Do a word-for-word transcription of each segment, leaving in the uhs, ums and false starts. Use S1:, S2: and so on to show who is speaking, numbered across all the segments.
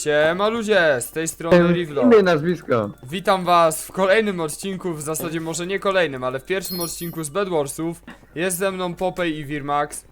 S1: Siema ludzie, z tej strony Rivlo.
S2: Imię i nazwisko.
S1: Witam was w kolejnym odcinku, w zasadzie może nie kolejnym, ale w pierwszym odcinku z Bedwarsów. Jest ze mną Popej i Wirmax.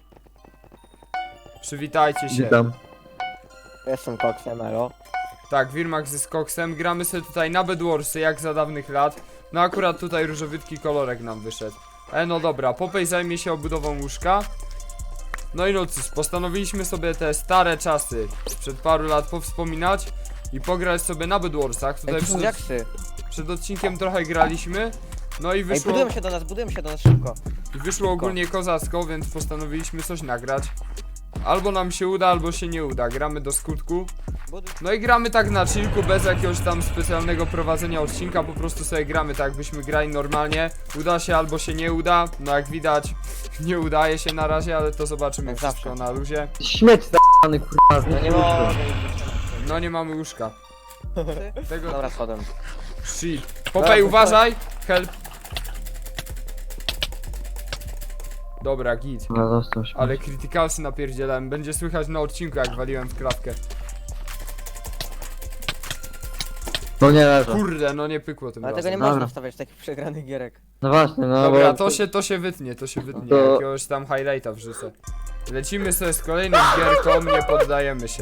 S1: Przywitajcie się.
S2: Witam.
S3: Jestem koksem, elo.
S1: Tak, Wirmax jest koksem, gramy sobie tutaj na Bedwarsy jak za dawnych lat. No akurat tutaj różowytki kolorek nam wyszedł. E no dobra, Popej zajmie się obudową łóżka. No i no cóż, postanowiliśmy sobie te stare czasy sprzed paru lat powspominać i pograć sobie na Bedwarsach. Tutaj
S3: Ej, tu są
S1: przed,
S3: diaksy.
S1: przed odcinkiem trochę graliśmy. No i
S3: Ej,
S1: wyszło,
S3: budują się do nas, budują się do nas szybko.
S1: i wyszło ogólnie kozacko, więc postanowiliśmy coś nagrać. Albo nam się uda, albo się nie uda. Gramy do skutku.
S3: Buduj.
S1: No i gramy tak na chillku, bez jakiegoś tam specjalnego prowadzenia odcinka. Po prostu sobie gramy tak, jakbyśmy grali normalnie. Uda się albo się nie uda. No jak widać, nie udaje się na razie, ale to zobaczymy
S3: Jak
S1: wszystko
S3: zawsze.
S1: na luzie.
S2: Śmieć za***ny kurwa.
S3: No nie mogę.
S1: No nie mamy łóżka. Tego...
S3: Dobra, schodem.
S1: Shit. Popej, uważaj! Help. Dobra, git.
S2: No dostał się.
S1: Ale krytykalsy napierdzielałem. Będzie słychać na odcinku, jak waliłem w klatkę.
S2: No nie leżę.
S1: Kurde, no nie pykło tym
S3: Ale tego
S1: razem.
S3: nie można
S2: Dobra.
S3: wstawiać takich przegranych gierek.
S2: No właśnie, no
S1: Dobra,
S2: bo...
S1: to się, to się wytnie, to się wytnie.
S2: To-
S1: Jakiegoś tam highlighta wrzucę. Lecimy sobie z kolejnym gierką, nie poddajemy się.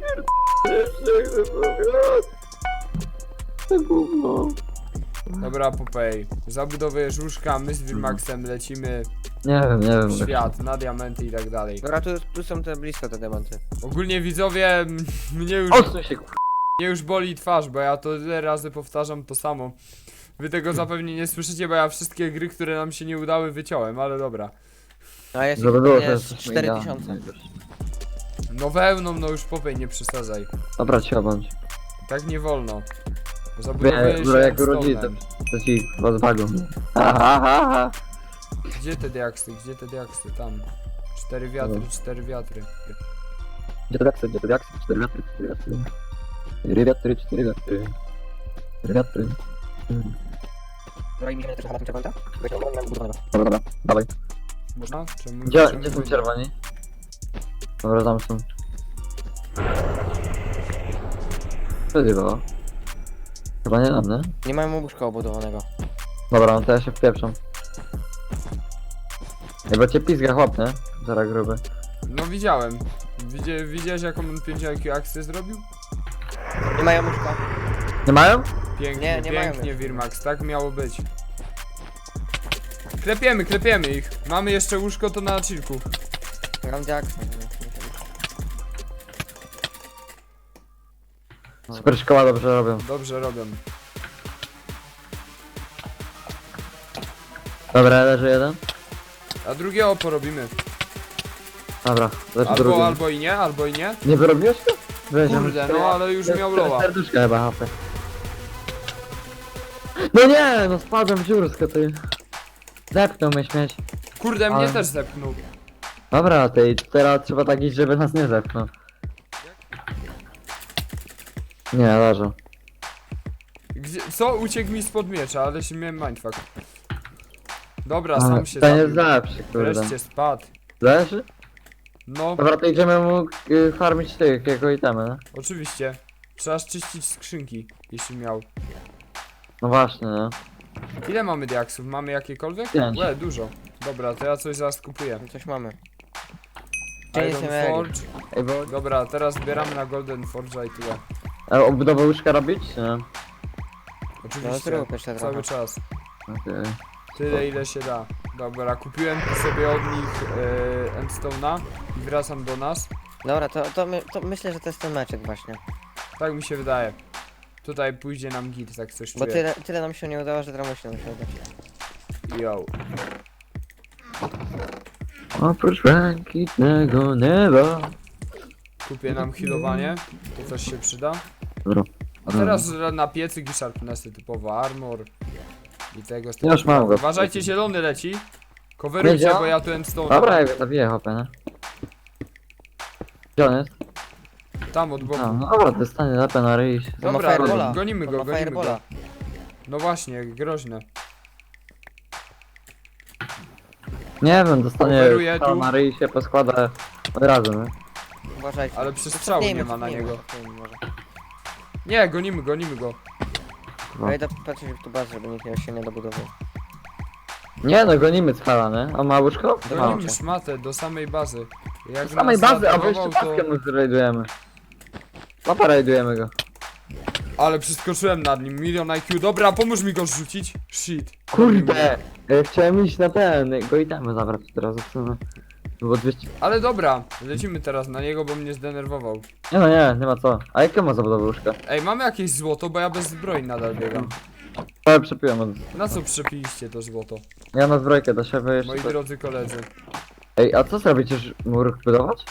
S1: Dobra, Popej. Zabudowujesz łóżka, my z Wirmaxem lecimy
S2: Nie wiem, nie wiem.
S1: w świat, na diamenty i tak dalej.
S3: Dobra, tu, tu są te blisko te diamenty.
S1: Ogólnie widzowie, m- mnie już,
S2: Odsuń się kurwa.
S1: mnie już boli twarz, bo ja to tyle razy powtarzam to samo. Wy tego zapewne nie słyszycie, bo ja wszystkie gry, które nam się nie udały, wyciąłem, ale dobra.
S3: A jest
S2: Żeby
S3: ich
S2: było,
S3: pewnie
S2: to
S3: z
S2: jest
S3: cztery tysiące.
S1: No wełną, no już Popej, nie przesadzaj.
S2: Dobra, cicho bądź.
S1: Tak nie wolno.
S2: Wie,
S1: Zabudowujesz
S2: bro,
S1: się
S2: jak urodzili, to,
S1: stonem.
S2: to ci was bagą. Ha, ha, ha, ha.
S1: Gdzie te diaksy, gdzie te diaksy? Tam. Cztery wiatry, cztery wiatry.
S2: Gdzie to wiatry, gdzie to wiatry? Cztery wiatry, cztery wiatry. Cztery wiatry, cztery wiatry. Cztery wiatry. Mm.
S3: Dobra, i mi się też na tym czerwonka?
S2: Dobra, dobra, dawaj.
S1: Można? Czemu,
S2: Gdzie,
S1: czemu
S2: gdzie są
S1: nie?
S2: czerwoni? Dobra, tam są. Co zjebało? Chyba nie nam, nie?
S3: Nie mamy łóżka obudowanego.
S2: Dobra, no to ja się wpieprzam. Ej, bo cię pizga chłop, nie? Zara gruby.
S1: No widziałem. Widzie, widziałeś jaką on pięć I Q akcję zrobił?
S3: Nie mają łóżka.
S2: Nie mają?
S1: Pięknie,
S3: Nie, nie mają
S1: pięknie
S3: jeszcze.
S1: Wirmax, tak miało być. Klepiemy, klepiemy ich. Mamy jeszcze łóżko, to na chillku.
S3: Mam diaksy.
S2: Super szkoła dobrze robią.
S1: Dobrze robią.
S2: Dobra, leży jeden.
S1: A drugiego porobimy.
S2: Dobra, leży
S1: Albo,
S2: drugi.
S1: albo i nie, albo i nie.
S2: Nie wyrobiłeś go? Weź,
S1: Kurde, no ale już miał loa.
S2: Serduszka chyba hapę. No nie, no spadłem w dziursko, ty. Zepnął mnie śmieć.
S1: Kurde, mnie
S2: Ale-
S1: też zepnął.
S2: Dobra, ty, teraz trzeba tak iść, żeby nas nie zepnął. Nie, leżą.
S1: Gdzie, co? Uciekł mi spod miecza, ale się miałem mindfuck. Dobra,
S2: Ale
S1: sam się
S2: to nie
S1: zabił.
S2: zawsze, kurde.
S1: Wreszcie spadł.
S2: Leży?
S1: No,
S2: Dobra, to idziemy mu y, farmić tych, jego itemy, no?
S1: oczywiście. Trzeba czyścić skrzynki, jeśli miał.
S2: No właśnie, no.
S1: Ile mamy diaksów? Mamy jakiekolwiek?
S2: Pięć.
S1: Łe, dużo. Dobra, to ja coś zaraz kupuję.
S3: Coś mamy. Gdzie
S1: Iron
S3: jest
S1: Forge.
S2: Ej, bo...
S1: Dobra, teraz zbieramy na Golden Forge'a i tyle.
S2: A obudowę łóżka robić, czy nie?
S3: No
S1: Oczywiście,
S3: zrób jeszcze
S1: cały
S3: trochę.
S1: czas.
S2: Okej.
S1: Tyle ile się da. Dobra, kupiłem sobie od nich e, Endstone'a i wracam do nas.
S3: Dobra, to, to, my, to myślę, że to jest ten meczek właśnie.
S1: Tak mi się wydaje. Tutaj pójdzie nam git, tak coś
S3: Bo
S1: czuję.
S3: tyle, tyle nam się nie udało, że teraz musi nam się udać.
S1: Yo.
S2: Oprócz błękitnego nieba.
S1: Kupię nam healowanie, to coś się przyda.
S2: Dobra.
S1: A teraz na piecyk i sharpnessy typowo armor. I tego
S2: Ja już mam go.
S1: Uważajcie, zielony leci. Coverujcie,
S2: Wiedział?
S1: bo ja tu Endstone.
S2: Dobra, ja go zabiję, hopę, nie? Gdzie on jest?
S1: Tam od boku.
S2: A, no dobra, dostanie lapę na ryj.
S3: To ma
S1: Dobra,
S3: firebola.
S1: gonimy
S3: To
S1: go,
S3: ma
S1: gonimy
S3: firebola.
S1: go. No właśnie, groźne.
S2: Nie wiem, dostanie
S1: Oferuję
S2: strzał
S1: tu.
S2: na ryj i się poskłada od razu, nie?
S3: Uważajcie.
S1: Ale przestrzału nie ma na
S3: Cofnijmy,
S1: niego.
S3: cofnijmy może.
S1: Nie, gonimy, gonimy go.
S3: Ja idę patrzeć w tu bazę, żeby nikt nie- się nie dobudował.
S2: Nie no, gonimy cwala, nie? On ma łóżko? Ma.
S1: Gonimy szmatę do samej bazy. Jak
S2: Z samej
S1: nas
S2: bazy, a wy jeszcze
S1: zaatakował,
S2: paskę mu zrajdujemy. Papa rajdujemy go.
S1: Ale przeskoczyłem nad nim, milion I Q. Dobra, pomóż mi go rzucić. Shit.
S2: Kurde! e, Chciałem iść na ten, go itemy zabrać teraz, co no. Było dwieście...
S1: Ale dobra, lecimy teraz na niego, bo mnie zdenerwował.
S2: Nie no nie, nie ma co. A jakie ma zabudowę łóżka?
S1: Ej, mamy jakieś złoto, bo ja bez zbroi nadal biegam.
S2: Ale przepiłem od...
S1: Na co przepiliście to złoto,
S2: Ja na zbrojkę do siebie jeszcze...
S1: moi drodzy koledzy?
S2: Ej, a co zrobicie, że mur budować?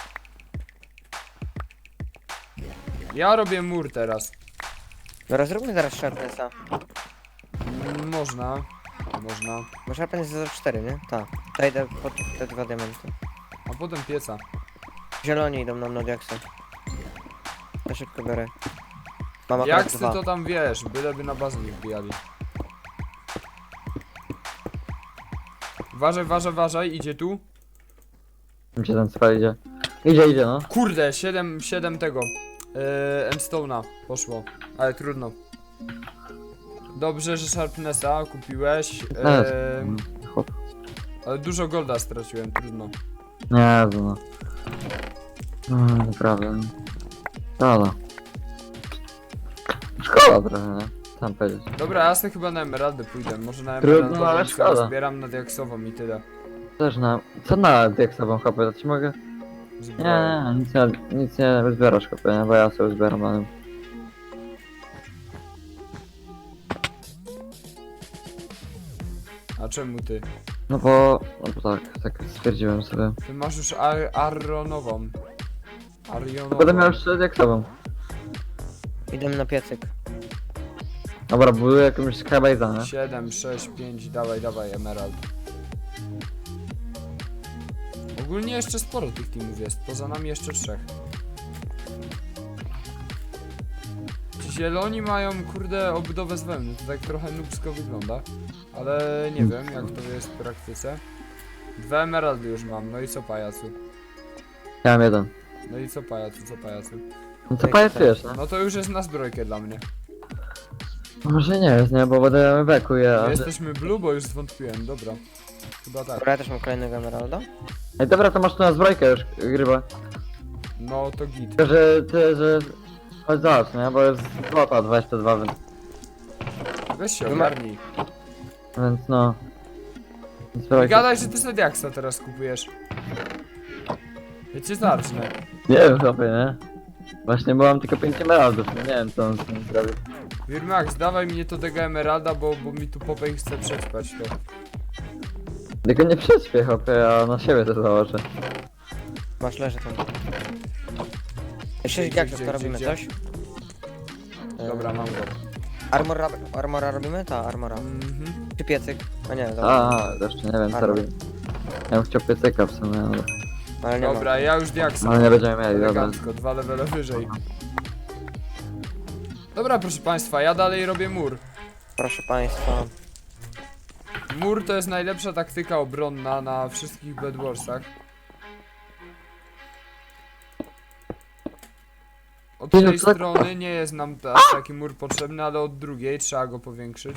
S1: Ja robię mur teraz.
S3: Dobra, zróbmy zaraz Sharpnessa.
S1: Mm, Można. Można.
S3: Bo Sharpness jest zero cztery, nie? Tak. To idę pod te dwa diamenty.
S1: A potem pieca.
S3: Zieloni idą nam na diaksy. Ja szybko biorę. Mam akurat
S1: Jak ty
S3: dwa.
S1: to tam wiesz, byleby na bazę nie wbijali. Uważaj, uważaj, uważaj, idzie tu.
S2: Gdzie się ten spal idzie? Idzie, idzie no.
S1: Kurde, siedem, siedem tego. Yy, Endstone'a poszło, ale trudno. Dobrze, że Sharpnessa kupiłeś.
S2: No,
S1: Yy,
S2: chłop.
S1: ale dużo golda straciłem, trudno.
S2: Nie, to no. No, naprawdę. Szkoda. Szkoda trochę, nie? Tam powiedzieć.
S1: Dobra, ja sobie chyba na emeraldę pójdę. Może na
S2: Trudno,
S1: emeraldę
S2: ale
S1: sobie
S2: szkoda.
S1: zbieram na diaksową i tyle.
S2: Też na... Co na diaksową chopę? To ci mogę? Nie,
S1: Zbroję.
S2: nie, nic nie, nic nie zbierasz chopę, nie? Bo ja sobie zbieram na nim.
S1: A czemu ty?
S2: No bo... No bo tak, tak stwierdziłem sobie.
S1: Ty masz już ar aronową. Arionową.
S2: Będę miał jeszcze diaksową.
S3: Idę na piecyk.
S2: Dobra, buduję jakąś skybase'a, nie?
S1: siedem, sześć, pięć, dawaj, dawaj, emerald. Ogólnie jeszcze sporo tych teamów jest, poza nami jeszcze trzech. Ci zieloni mają, kurde, obudowę z wełny, to tak trochę nubsko wygląda. Ale nie wiem, jak to jest w praktyce. Dwa emeraldy już mam, no i co pajacu?
S2: Ja mam jeden.
S1: No i co pajacu, co pajacu?
S2: No to pajacujesz, nie?
S1: No to już jest na zbrojkę dla mnie.
S2: No może nie jest, nie? Bo będę beku, ja...
S1: My jesteśmy blue, bo już zwątpiłem, dobra. Chyba tak.
S3: Dobra, ja też mam kolejnego emeralda.
S2: Ej, dobra, to masz tu na zbrojkę już, gryba.
S1: No to git.
S2: Tylko, że ty, że... Chodź zobacz, nie? Bo jest złota dwadzieścia dwa, więc...
S1: Weź się ogarnij.
S2: Więc no...
S1: Nie
S2: Zbrojkę...
S1: gadaj, że ty sobie diaksa teraz kupujesz. Ja cię zacznę.
S2: Nie wiem, chłopie, nie? Właśnie, bo mam tylko pięć emeraldów, nie wiem co on z tym zrobił.
S1: Wirmax, dawaj mnie to tego emeralda, bo, bo mi tu Popej chce przećpać to.
S2: Tylko nie prześpię, chłopie, ja na siebie to założę.
S3: Masz, leży tam.
S1: Gdzie,
S3: sześć
S1: gdzie,
S3: diaksów,
S1: gdzie,
S3: to robimy
S1: gdzie?
S3: coś?
S1: Dobra, mam go.
S3: Armor, armora robimy? Ta, armora.
S1: Mhm.
S3: Czy piecyk? A nie, dobra.
S2: A, jeszcze nie wiem co
S3: Armor.
S2: robię. Ja bym chciał piecyka w sumie, ale...
S3: Ale nie
S1: Dobra,
S3: ma.
S1: ja już diaksa.
S2: Ale nie będziemy mieli, dobra.
S1: Elegancko, dwa levele wyżej. Dobra, proszę państwa, ja dalej robię mur.
S3: Proszę państwa.
S1: Mur to jest najlepsza taktyka obronna na wszystkich Bedwarsach. Od
S2: Nie, no
S1: tej
S2: to tak-
S1: strony nie jest nam ta, taki mur potrzebny, ale od drugiej trzeba go powiększyć.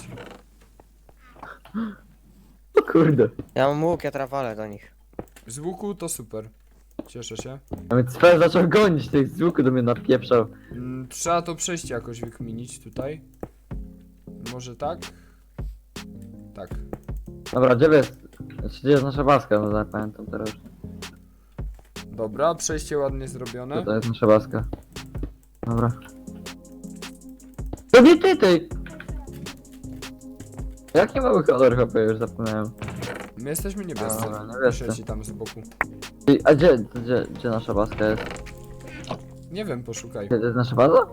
S2: O kurde.
S3: Ja mam łuk, ja trawalę do nich.
S1: Z łuku to super. Cieszę się.
S2: A więc Sfer zaczął gonić, tych z łuku do mnie napieprzał.
S1: Mm, trzeba to przejście jakoś wykminić tutaj. Może tak? Tak.
S2: Dobra, gdzie jest? Znaczy, gdzie jest nasza baska? No tak pamiętam teraz.
S1: Dobra, przejście ładnie zrobione.
S2: To jest nasza baska. Dobra. To nie ty, ty! Jaki mały kolor chłopie, już zapomniałem.
S1: My jesteśmy niebiescy.
S2: Dobra, niebiescy.
S1: Piszę ci tam z boku.
S2: I, a gdzie, gdzie, gdzie nasza baska jest?
S1: Nie wiem, poszukaj.
S2: Gdzie to jest nasza baza?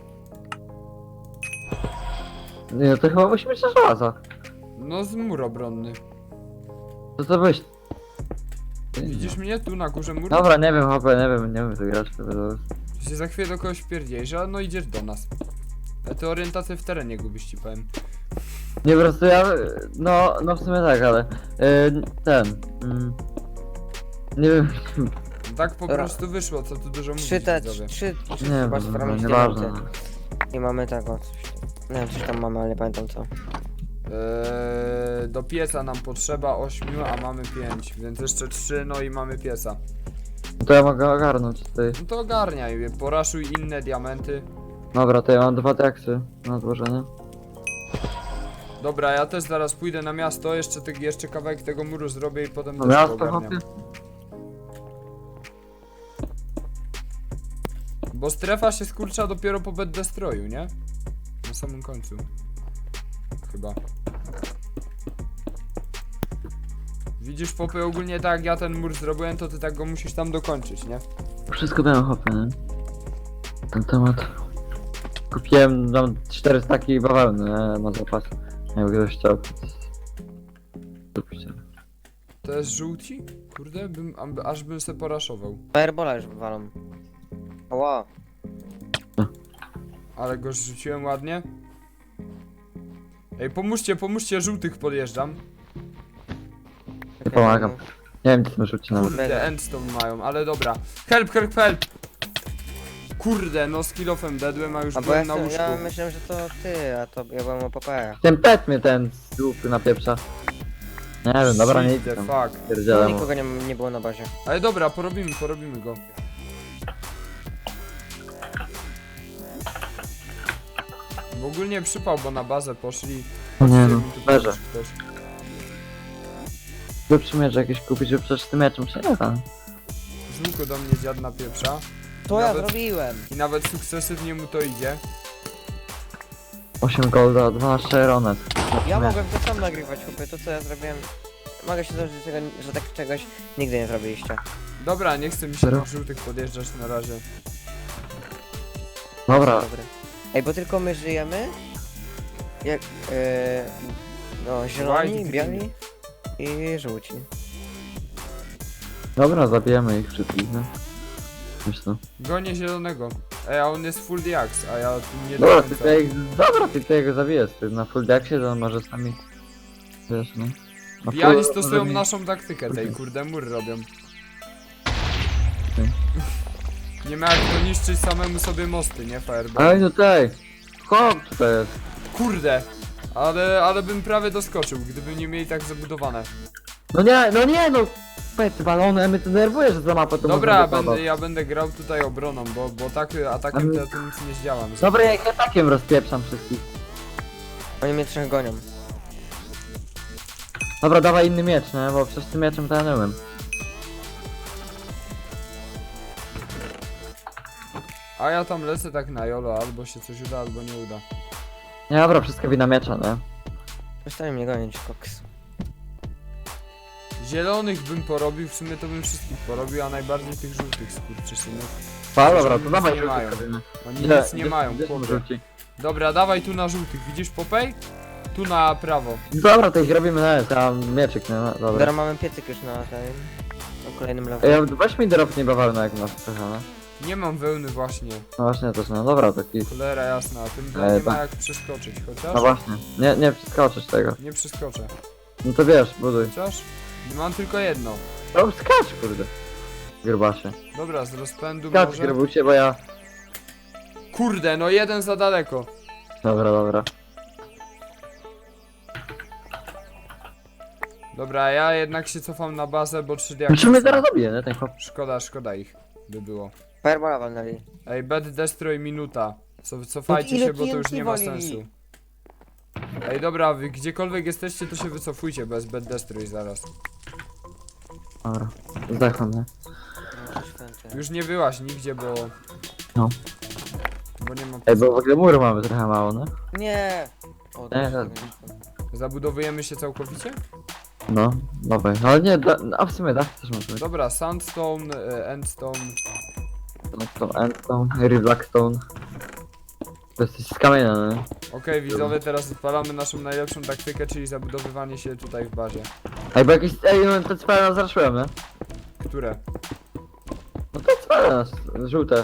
S2: Nie, no to chyba musi być nasza baza.
S1: No z mur obronny.
S2: To co byś?
S1: Widzisz mnie tu na górze muru?
S2: Dobra, nie wiem, chłopie, nie wiem, nie wiem co grać, to będę...
S1: Ty się za chwilę do kogoś wpierdziejesz, a no idziesz do nas. A ty orientację w terenie gubisz, ci powiem.
S2: Nie, po prostu ja, no, no w sumie tak, ale... Yy, ten... Mm, nie wiem,
S1: tak po
S3: Dobra.
S1: prostu wyszło, co tu dużo mówić,
S3: Trzy te,
S1: widzowie.
S3: trzy, trzy
S2: Nie
S3: chyba
S2: wiem,
S3: farmić
S2: nieważne.
S3: diamenty. I mamy tego, coś tam. Nie wiem, coś tam mamy, ale nie pamiętam co.
S1: Eee, do pieca nam potrzeba ośmiu, a mamy pięć, więc jeszcze trzy, no i mamy pieca.
S2: To ja mogę ogarnąć tutaj.
S1: No to ogarniaj, poraszuj inne diamenty.
S2: Dobra, to ja mam dwa diaksy na złożenie.
S1: Dobra, ja też zaraz pójdę na miasto, jeszcze, ty, jeszcze kawałek tego muru zrobię i potem
S2: No
S1: też to
S2: miasto,
S1: ogarniam.
S2: chłopie?
S1: Bo strefa się skurcza dopiero po bed destroyu, nie? Na samym końcu. Chyba. Widzisz, Popy, ogólnie tak jak ja ten mur zrobiłem, to ty tak go musisz tam dokończyć, nie?
S2: Wszystko dają chłopie, nie? Ten temat. Kupiłem tam cztery staki bawełny, nie? Na zapas. Jakby ktoś chciał. Kupicie.
S1: To jest żółci? Kurde, bym, am- aż bym se poraszował.
S3: Firebola już wywalą. Ła.
S1: Ale go rzuciłem ładnie. Ej, pomóżcie, pomóżcie, żółtych podjeżdżam.
S2: Nie pomagam. Nie wiem, czy to rzuci nawet.
S1: Kurde, endstone mają, ale dobra. Help, help, help! Kurde, no z kilofem dedłem, a już
S3: A bo ja,
S1: byłem na
S3: chcę,
S1: łóżku.
S3: ja myślałem, że to ty, a to ja byłem o Popeye.
S2: Ten pet mnie ten z dupy napieprza. Nie wiem, dobra, nie
S1: Shit the
S2: idę tam.
S1: fuck.
S3: No,
S2: Pierdzielę mu.
S3: nikogo nie, nie było na bazie.
S1: Ale dobra, porobimy, porobimy go. Bo ogólnie przypał, bo na bazę poszli.
S2: No nie
S1: Patrzcie,
S2: no,
S1: mi tu
S2: leżę.
S1: pomóż ktoś.
S2: Lepszy miecz jakieś kupić, że przecież tym mieczem się nie da.
S1: Z łuku do mnie dziad napieprza.
S3: To ja
S1: Nawet-
S3: zrobiłem!
S1: I nawet sukcesywnie mu to idzie.
S2: osiem golda, dwanaście ronet.
S3: Ja mogłem to sam nagrywać, chłopie, to co ja zrobiłem. Mogę się zdarzyć, że, tego, że tak czegoś nigdy nie zrobiliście.
S1: Dobra, nie chcę mi się
S2: Serio?
S1: tych żółtych podjeżdżać na razie.
S2: Dobra,
S3: Dobry. Ej, bo tylko my żyjemy. Jak. Yy, no,
S1: White
S3: zieloni,
S1: green.
S3: biali i żółci.
S2: dobra, zabijemy ich wszystkich, no. Myślę.
S1: Gonię zielonego. Ej, a on jest full diax, a ja tu nie do
S2: Dobra,
S1: końca.
S2: ty tutaj, dobra, ty tutaj go zabijesz, ty na full decksie, to on może z nami, wiesz, no. Na
S1: Biali
S2: full-
S1: stosują
S2: może mi-
S1: naszą taktykę tej, kurde, mur robią.
S2: Okej.
S1: Nie ma jak to niszczyć samemu sobie mosty, nie Fireball?
S2: Ej, tutaj! Chłop tutaj jest!
S1: Kurde! Ale, ale bym prawie doskoczył, gdyby nie mieli tak zabudowane.
S2: No nie, no nie, no! Pety balony, mnie to denerwuje, że za mapę to
S1: Dobra,
S2: można
S1: będę,
S2: wypadać.
S1: ja będę grał tutaj obroną, bo, bo tak atakiem to ja tu nic nie zdziałam.
S2: Dobra, jak ja takiem rozpieprzam wszystkich.
S3: Oni mnie trzech gonią.
S2: Dobra, dawaj inny miecz, nie? Bo przecież tym mieczem to ja nie umiem.
S1: A ja tam lecę tak na jolo, albo się coś uda, albo nie uda.
S2: Nie, dobra, wszystko wina miecza, nie?
S3: Przestań mnie gonić, koks.
S1: Zielonych bym porobił, w sumie to bym wszystkich porobił, a najbardziej tych żółtych skurczysynów.
S2: Pa, dobra,
S1: oni
S2: to
S1: nic
S2: dawaj
S1: nie
S2: żółty
S1: mają.
S2: zrobimy.
S1: Oni
S2: Gdzie-
S1: nic nie
S2: gdzie-
S1: mają,
S2: gdzie są
S1: chłopie.
S2: żółci?
S1: Dobra, dawaj tu na żółtych, widzisz Popej? Tu na prawo.
S2: Dobra, to ich robimy na S, ja mam mieczyk, nie? No, dobra.
S3: Dobra, mamy piecyk już na tym. Na kolejnym levelu.
S2: Ja, weź mi drop nie bawełnę jak masz trochę, no.
S1: Nie mam wełny właśnie.
S2: No właśnie też, no dobra, taki.
S1: Cholera jasna, tym
S2: E,
S1: nie ma
S2: tak.
S1: jak przeskoczyć, chociaż?
S2: No właśnie, nie, nie przeskoczysz tego.
S1: Nie przeskoczę.
S2: No to wiesz, buduj.
S1: Chociaż? Mam tylko jedno.
S2: No skacz, kurde. Grubasie.
S1: Dobra, z rozpędu
S2: Skacz,
S1: może.
S2: grubusie, bo ja...
S1: Kurde, no jeden za daleko.
S2: Dobra, dobra.
S1: Dobra, ja jednak się cofam na bazę, bo trzy diaksy
S2: Musimy
S1: są.
S2: zaraz zabije, nie? Ten chłop.
S1: Szkoda, szkoda ich by było.
S3: Firebola walnęli.
S1: Ej, bed destroy minuta. Co, cofajcie
S3: ile
S1: się, bo to już
S3: T N T
S1: nie ma
S3: walili?
S1: sensu. Ej, dobra, wy gdziekolwiek jesteście, to się wycofujcie bez bed destroy zaraz.
S2: Dobra, zdechłem, nie?
S3: No, święty.
S1: Już nie byłaś nigdzie, bo...
S2: No.
S1: Bo nie ma...
S2: Ej, bo w ogóle muru mamy trochę mało, no?
S3: Nie! O,
S2: Nie,
S3: dobrze,
S2: nie.
S3: dobrze.
S1: Zabudowujemy się całkowicie?
S2: No, dawaj. No ale nie, da, a w sumie da, też możemy.
S1: Dobra, sandstone, e, endstone.
S2: Endstone, endstone, blackstone. To jesteś z kamienia, nie?
S1: Okej, widzowie, teraz odpalamy naszą najlepszą taktykę, czyli zabudowywanie się tutaj w bazie.
S2: Ej, bo jakieś, ej, no te cwele nas zraszyłem, nie?
S1: Które?
S2: No te cwele nas, żółte.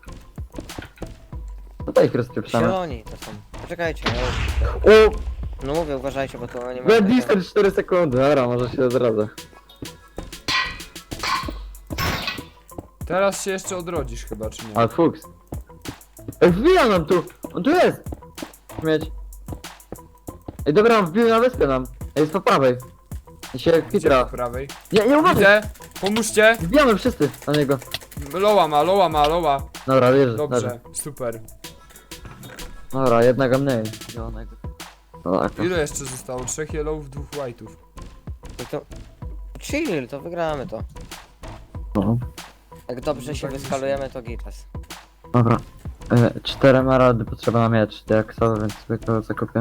S2: Tutaj ich rozpieprzamy.
S3: Zieloni to są. Poczekajcie, ja już...
S2: O!
S3: No mówię, uważajcie, bo to nie ma...
S2: Red distance cztery sekundy, dobra, może się odradzę.
S1: Teraz się jeszcze odrodzisz chyba, czy nie?
S2: Ale fuks. Ej, wbija nam tu! On tu jest! Śmieć. Ej, dobra, on wbił na wyspę nam. Ej, jest po prawej. I się
S1: Gdzie
S2: kwitra.
S1: po prawej?
S2: Nie, nie uważaj!
S1: Widzę! Pomóżcie!
S2: Wbijamy wszyscy na niego.
S1: Loła ma, loła ma, loła.
S2: Dobra, leży, leży.
S1: Dobrze, super.
S2: Dobra, jednego mniej. Zielonego. No, tak.
S1: Ile jeszcze zostało? Trzech yellowów, dwóch white'ów.
S3: No to... Chill, to wygramy to.
S2: No.
S3: Jak dobrze
S1: No
S3: się
S1: tak
S3: wyskalujemy, to gitas.
S2: Dobra. E, cztery emeraldy potrzeba na miecz, diaksowy, więc sobie to zakupię.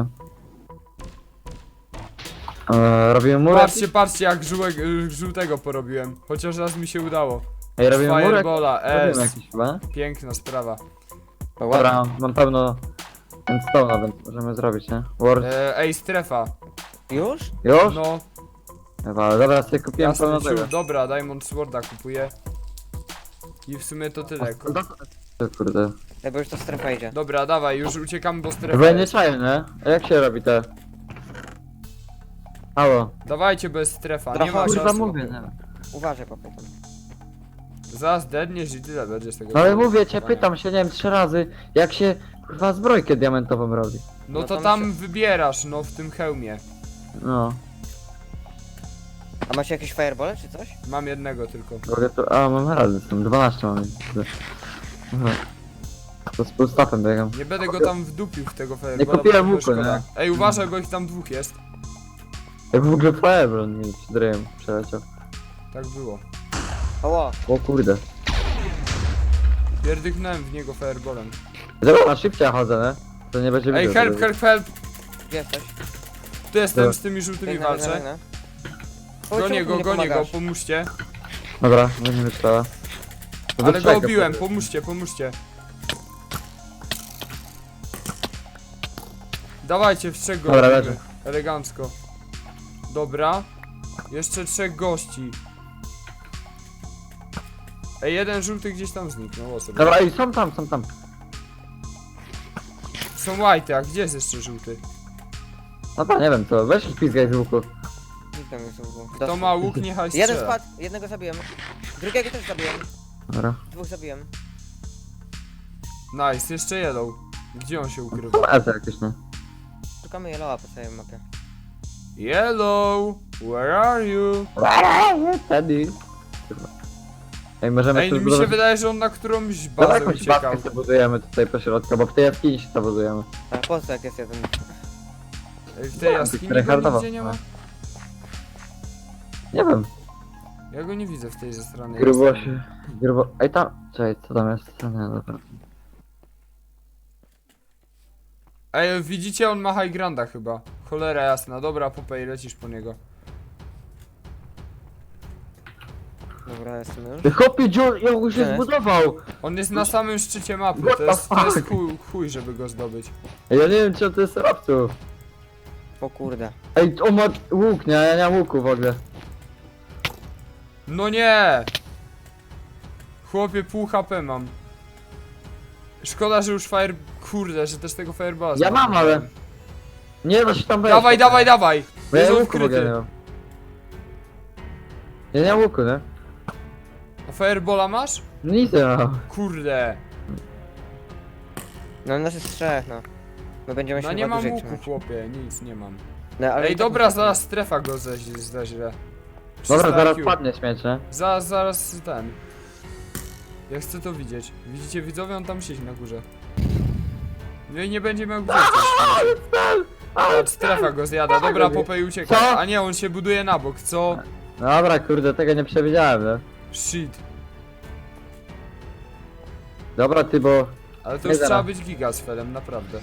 S2: E, robimy murek.
S1: Patrzcie, patrzcie jak żółek, y, żółtego porobiłem. Chociaż raz mi się udało.
S2: Ej, robimy murek.
S1: Firebola,
S2: Robimy
S1: S.
S2: jakiś chyba.
S1: Piękna sprawa.
S3: No
S2: Dobra, mam pełno endstone'a, więc możemy zrobić, nie? Word.
S1: E, ej, strefa.
S3: Już?
S2: Już?
S1: No,
S2: Chyba, dobra, sobie kupiłem
S1: jasny
S2: pełno tego.
S1: ciul. Dobra, Diamond Sworda kupuję. I w sumie to tyle.
S2: O kurde.
S3: Ej, bo już to strefa idzie.
S1: Dobra, dawaj, już uciekamy, bo strefa
S2: Bo ja nie
S1: jest.
S2: czaję, nie? A jak się robi te? Halo.
S1: Dawajcie bez strefa, nie
S3: Trochę,
S1: ma
S2: Kurwa
S1: czasu.
S2: mówię, nie?
S3: Uważaj, papy tam.
S1: Zaraz dedniesz i tyle będzie z tego.
S2: No ale mówię cię,
S1: stresowania.
S2: pytam się, nie wiem, trzy razy, jak się kurwa zbrojkę diamentową robi.
S1: No
S3: No
S1: to
S3: tam
S1: tam
S3: się-
S1: wybierasz, no w tym hełmie.
S2: No.
S3: A macie jakieś firebole czy coś?
S1: Mam jednego tylko.
S2: Mogę to. A mam razy, tam dwanaście mam. Aha. To z pustafem biegam.
S1: Nie będę go tam wdupił w tego
S2: Nie
S1: firebola,
S2: kupiłem
S1: bo
S2: łuku,
S1: szkoda.
S2: nie?
S1: Ej, uważaj, bo ich tam dwóch jest.
S2: Jak w ogóle Fireball mi przed ryjem przeleciał.
S1: Tak było.
S3: Oło,
S2: O kurde.
S1: Pierdyknąłem w niego fireballem.
S2: Dobra, na szybciej chodzę, nie? To nie będzie
S1: Ej,
S2: wideo
S1: help,
S2: tego.
S1: help, help!
S3: gdzie jesteś?
S1: Tu jestem,
S2: Dobra.
S1: z tymi żółtymi
S3: Biegnę, biegnę,
S1: walczę.
S3: biegnę. Chodź,
S1: Gonię
S3: czemu
S1: go,
S3: mi nie
S1: gonię go,
S3: pomagasz?
S1: pomóżcie.
S2: Dobra, będziemy trzeba.
S1: Ale go obiłem, pomóżcie, pomóżcie. Dawajcie, w trzech go
S2: Dobra,
S1: robimy.
S2: leży.
S1: Elegancko. Dobra. Jeszcze trzech gości. Ej, jeden żółty gdzieś tam zniknął, o sobie.
S2: Dobra, i są tam, są tam.
S1: Są white, a gdzie jest jeszcze żółty?
S2: No to nie wiem co, weź ich pizgaj z łuku.
S3: Zniknął mi z łuku.
S1: Kto
S3: Dostał.
S1: ma łuk, niechaj
S3: Jeden
S1: strzela.
S3: spadł, jednego zabiłem. Drugiego też zabiłem.
S2: Dobra.
S3: Dwóch zabiłem.
S1: Nice, jeszcze yellow. Gdzie on się ukrywa?
S2: Są Eze jakieś, nie?
S3: Szukamy Yellowa po całej mapie.
S1: Yellow, where are you?
S2: Teddy. Kurwa. Ej, możemy
S1: Ej,
S2: tu
S1: mi się
S2: zbudować...
S1: wydaje, że on na którąś
S2: Dobra,
S1: bazę
S2: jakąś
S1: uciekał.
S2: bazkę sobie budujemy tutaj po środku, bo w tej jaskini się to budujemy.
S3: A po co jak jest jeden?
S1: Ej, w tej jaskini go
S2: Tryhardowo.
S1: nigdzie nie ma?
S2: Nie wiem,
S1: Ja go nie widzę w tej ze strony.
S2: grubo
S1: jaskini.
S2: się... Grubo... Ej tam... Czekaj, co tam jest? Co nie, dobra.
S1: Ej, widzicie, on ma high granda chyba. Cholera jasna, dobra, Popej, lecisz po niego.
S3: Dobra, jestem już.
S2: Ty chłopie, dziur, jak go
S3: Gdzie
S2: się
S3: jest?
S2: zbudował!
S1: On jest na samym szczycie mapy,
S2: What
S1: to
S2: the
S1: jest, to jest
S2: fuck?
S1: chuj, chuj, żeby go zdobyć.
S2: Ej, ja nie wiem, czy on to jest robców.
S3: O kurde.
S2: Ej, on ma łuk, nie? Ja nie mam łuku w ogóle.
S1: No nie! Chłopie, pół H P mam. Szkoda, że już fire... Kurde, że też tego fireballa
S2: Ja mam,
S1: zmarnowałem.
S2: ale... Nie da się tam wejść.
S1: Dawaj, dawaj, dawaj!
S2: Bo ja
S1: Jest on
S2: łuku w ogóle nie
S1: wkryty.
S2: mam. Ja nie mam łuku, nie?
S1: A firebola masz?
S2: Nic nie mam.
S1: Kurde.
S3: No nas jest trzech, no. My będziemy się
S1: No nie
S3: chyba
S1: mam
S3: dłużej
S1: łuku,
S3: trzymać.
S1: chłopie, nic nie mam.
S3: No, ale
S1: Ej,
S3: i tak
S1: dobra,
S3: musimy.
S1: zaraz strefa go ze, ze źle.
S2: Dobra,
S1: trzysta
S2: zaraz
S1: I Q.
S2: padnie śmieć, nie?
S1: Zaraz, zaraz ten. Ja chcę to widzieć. Widzicie widzowie, on tam siedzi na górze. No i nie będzie miał gdzie coś. Patrz, strefa go zjada. Dobra, Popej ucieka.
S2: Co?
S1: A nie, on się buduje na bok, co?
S2: Dobra, kurde, tego nie przewidziałem, nie?
S1: Shit.
S2: Dobra, ty, bo...
S1: Ale to
S2: Nie
S1: już trzeba
S2: zaraz.
S1: być giga z Felem, naprawdę.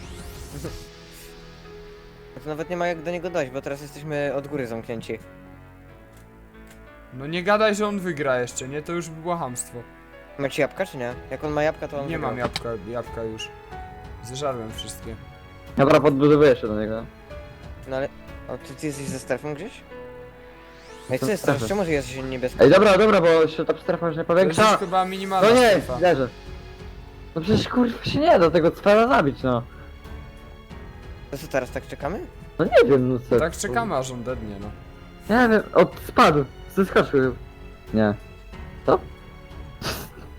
S3: To nawet nie ma jak do niego dojść, bo teraz jesteśmy od góry zamknięci.
S1: No nie gadaj, że on wygra jeszcze, nie? To już było chamstwo.
S3: Macie jabłka czy nie? Jak on ma jabłka, to on
S1: Nie
S3: wygrał.
S1: mam jabłka, jabłka już. Zeżarłem wszystkie.
S2: Dobra, podbudowuję się do niego.
S3: No ale... O, ty, ty jesteś ze strefą gdzieś? Ej,
S2: To
S3: co jest
S2: strefa.
S3: teraz? Czemu jest niebieski?
S2: Ej, dobra, dobra, bo się ta strefa już nie
S1: To jest
S2: powiększa.
S1: już chyba minimalna
S2: No nie,
S1: strefa.
S2: leżę. No przecież kurwa się nie da tego cwera zabić, no.
S3: To co teraz, tak czekamy?
S2: No nie wiem, no co.
S1: Tak czekamy aż on dednie, no.
S2: Nie wiem, od spadł, zeskoczył. Nie. Co?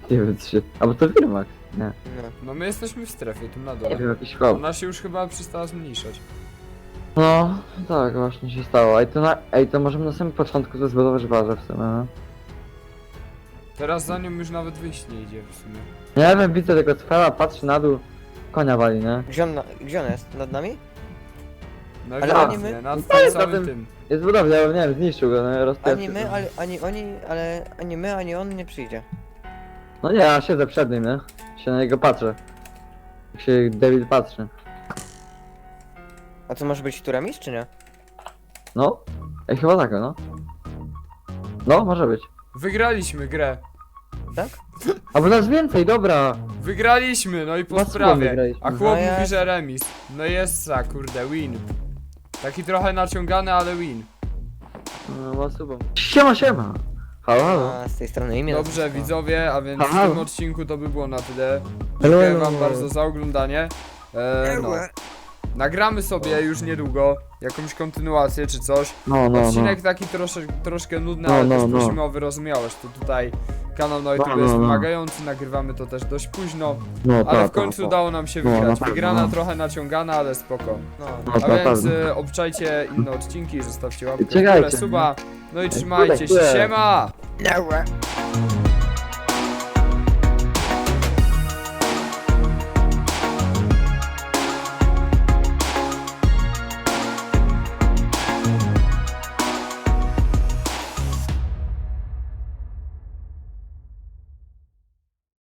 S2: Nie wiem, trzy. Albo to Wirmax. Nie.
S3: No.
S1: No my jesteśmy w strefie, tu na
S2: Nie
S1: dole.
S2: wiem, jakiś chłop.
S1: Ona się już chyba przestała zmniejszać.
S2: No, tak właśnie się stało. Ej, to, na, ej, to możemy na samym początku to zbudować bazę w sumie, no.
S1: Teraz za nią już nawet wyjść nie idzie w sumie.
S2: Nie wiem, widzę tego cfela, patrzy na dół, konia wali, nie?
S3: Gdzie on, na, gdzie on jest? Nad nami?
S1: No
S3: Ale
S1: ewidentnie,
S3: oni my-
S1: nad
S2: No
S1: tym
S2: jest na
S1: samym
S2: tym-
S1: tym.
S2: Jest budowla, ale nie wiem, zniszczył go, no rozpieszczył.
S3: Ani my, ale, ani oni, ale ani my, ani on nie przyjdzie.
S2: No nie, ja siedzę przed nim, nie? Się na niego patrzę. Jak się David patrzy.
S3: A to może być tu remis, czy nie?
S2: No? Ej, chyba tak, no. No, może być.
S1: Wygraliśmy grę.
S3: Tak?
S2: A bo nas więcej, dobra!
S1: Wygraliśmy, no i po
S2: Was
S1: sprawie.
S2: wygraliśmy.
S1: A chłop
S3: No
S1: mówi,
S3: ja-
S1: że remis. No jest za, kurde, win. Taki trochę naciągany, ale win.
S2: No, ma subą. Siema, siema! Halo, halo.
S3: A z tej strony imię.
S1: Dobrze,
S3: nazwisko.
S1: widzowie, a więc w
S2: Halo.
S1: tym odcinku to by było na tyle.
S2: Hello,
S1: Dziękuję
S2: hello.
S1: wam bardzo za oglądanie. E, no. Nagramy sobie już niedługo jakąś kontynuację czy coś.
S2: No, no, no.
S1: Odcinek taki trosze, troszkę nudny,
S2: No,
S1: ale
S2: no,
S1: też
S2: no.
S1: prosimy o wyrozumiałość. To tutaj kanał na YouTube
S2: No, no,
S1: jest
S2: no.
S1: wymagający, nagrywamy to też dość późno,
S2: No,
S1: ale
S2: ta,
S1: w końcu
S2: ta, ta.
S1: udało nam się
S2: No,
S1: wygrać.
S2: na pewno,
S1: Wygrana
S2: no.
S1: trochę naciągana, ale spoko.
S3: No.
S2: No,
S1: A
S2: ta,
S1: więc
S2: ta.
S1: e, obczajcie inne odcinki, zostawcie łapkę w
S2: Czekajcie,
S1: górę, suba. No i
S2: Ej,
S1: trzymajcie się,
S2: kurde, kurde.
S1: siema!
S3: No.